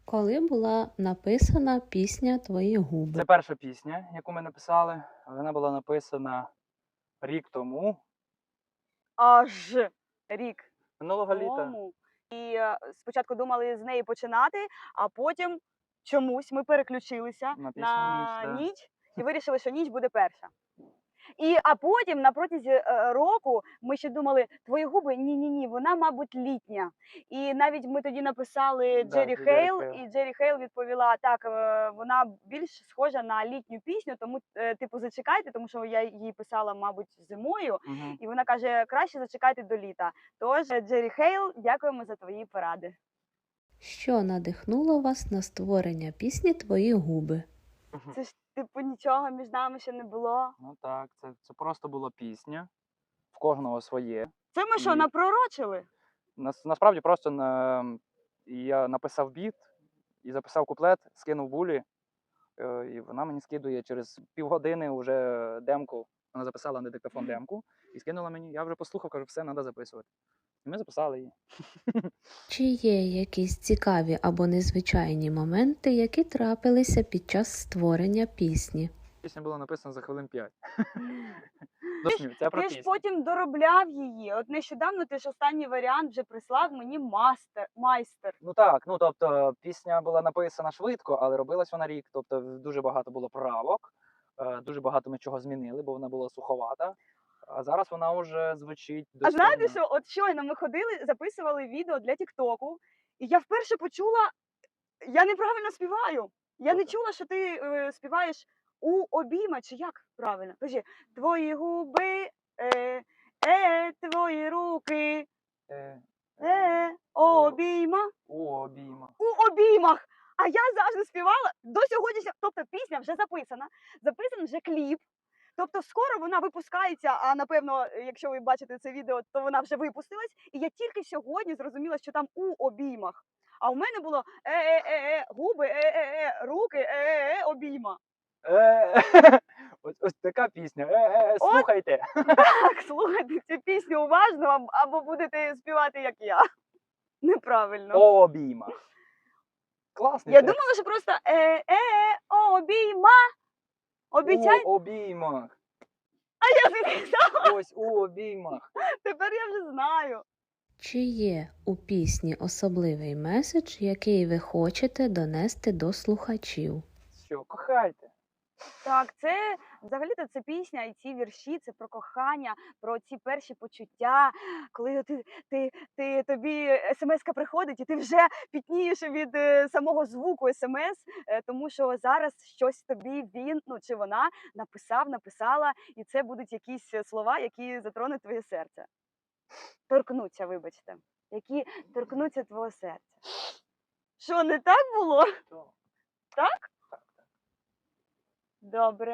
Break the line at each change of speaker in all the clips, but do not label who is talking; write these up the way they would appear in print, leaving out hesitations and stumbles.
Коли була написана пісня «Твої губи»?
Це перша пісня, яку ми написали. Вона була написана рік тому,
Аж рік
минулого літа.
тому. І спочатку думали з неї починати, а потім чомусь ми переключилися
На пісню
на
«Ніч», да.
ніч і вирішили, що ніч буде перша. А потім на протязі року ми ще думали, твої губи, ні, вона, мабуть, літня. І навіть ми тоді написали
Да,
Джері
Джері
Хейл,
Хейл.
і Джері Хейл відповіла, так, вона більш схожа на літню пісню, тому, типу, зачекайте, тому що я її писала, мабуть, зимою.
Мгм.
І вона каже, краще зачекайте до літа. Тож, Джері Хейл, дякуємо за твої поради.
Що надихнуло вас на створення пісні «Твої губи»?
Це ж, типу, нічого між нами ще не було.
Ну так, це просто була пісня. В кожного своє.
Це ми що,
І-
напророчили?
Насправді просто я написав біт і записав куплет, скинув Булі. І вона мені скидує через півгодини вже демку. Вона записала на диктофон демку і скинула мені. Я вже послухав, кажу, все, треба записувати. І ми записали її.
Чи є якісь цікаві або незвичайні моменти, які трапилися під час створення пісні?
Пісня була написана за хвилин 5. Це про
Ти ж
пісню.
потім доробляв її. От нещодавно ти ж останній варіант вже прислав мені майстер.
Ну так, тобто пісня була написана швидко, але робилась вона рік. Тобто дуже багато було правок, дуже багато ми чого змінили, бо вона була суховата. А зараз вона вже звучить
А
достойно.
знаєте, що от щойно ми ходили, записували відео для Тіктоку, і я вперше почула, я неправильно співаю. Я не
Добре.
чула, що ти співаєш у обійма, чи як правильно? Кажи, твої губи, твої руки, обійма.
У обіймах.
У обіймах. А я завжди співала до сьогоднішнього, тобто пісня вже записаний вже кліп. Тобто скоро вона випускається, а напевно, якщо ви бачите це відео, то вона вже випустилась. І я тільки сьогодні зрозуміла, що там у обіймах. А у мене було губи, руки, обійма.
Ось така пісня.
От.
Слухайте.
Так, слухайте цю пісню уважно, або будете співати, як я. Неправильно.
О обіймах. Класний
Я
текст.
думала, що просто обійма. Обіцяй.
У обіймах.
А я записала.
Ось у обіймах.
Тепер я вже знаю.
Чи є у пісні особливий меседж, який ви хочете донести до слухачів?
Що, кохайте.
Так, це взагалі-то це пісня і ці вірші, це про кохання, про ці перші почуття, коли тобі смс-ка приходить, і ти вже пітнієш від самого звуку смс, тому що зараз щось тобі він, чи вона написала, і це будуть якісь слова, які затронуть твоє серце. Торкнуться, вибачте, які торкнуться твого серця. Що, не так було? Так? Добре.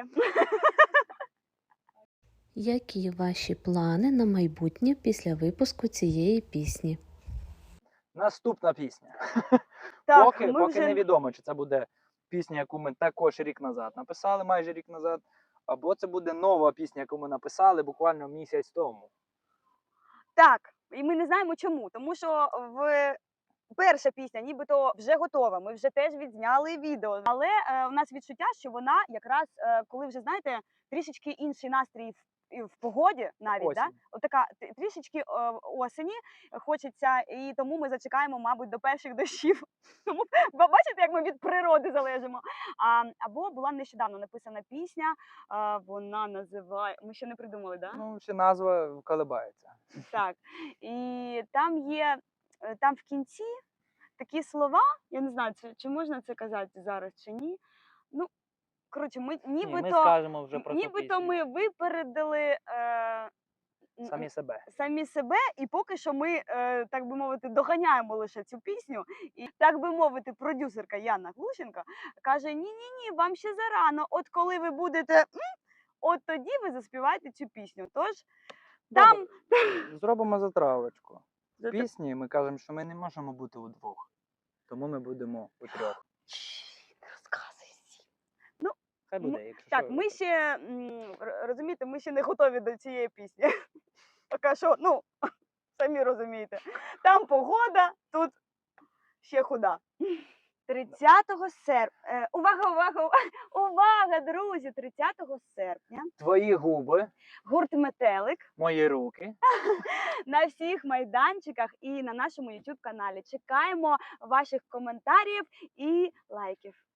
Які ваші плани на майбутнє після випуску цієї пісні?
Наступна пісня.
Так,
Поки
ми вже...
невідомо, чи це буде пісня, яку ми також рік назад написали, майже рік назад, або це буде нова пісня, яку ми написали буквально місяць тому.
Так, і ми не знаємо чому, тому що перша пісня нібито вже готова, ми вже теж відзняли відео, але у нас відчуття, що вона якраз, коли вже, знаєте, трішечки інший настрій в погоді навіть, да? Отака трішечки осені хочеться, і тому ми зачекаємо, мабуть, до перших дощів. Тому бачите, як ми від природи залежимо. Або була нещодавно написана пісня, вона називає, ми ще не придумали, да?
Ну, ще назва колебається.
Так, і там в кінці такі слова, я не знаю, чи можна це казати зараз, чи ні. Ну, коротше, ми
ми скажемо вже про цю пісню.
ми випередили самі себе, і поки що ми, так би мовити, доганяємо лише цю пісню. І, так би мовити, продюсерка Яна Глущенко каже, ні, вам ще зарано, от коли ви будете, от тоді ви заспіваєте цю пісню. Тож, там...
Зробимо затравочку. В пісні ми кажемо, що ми не можемо бути удвох, тому ми будемо утрьох.
Розказуй всім.
Хай буде, якщо
так,
що.
ми ще, розумієте, ми ще не готові до цієї пісні. Поки що, самі розумієте. Там погода, тут ще худа. 30 серпня. Увага, увага, увага, друзі! 30 серпня
Твої губи,
гурт Метелик
мої руки.
на всіх майданчиках і на нашому YouTube каналі. Чекаємо ваших коментарів і лайків.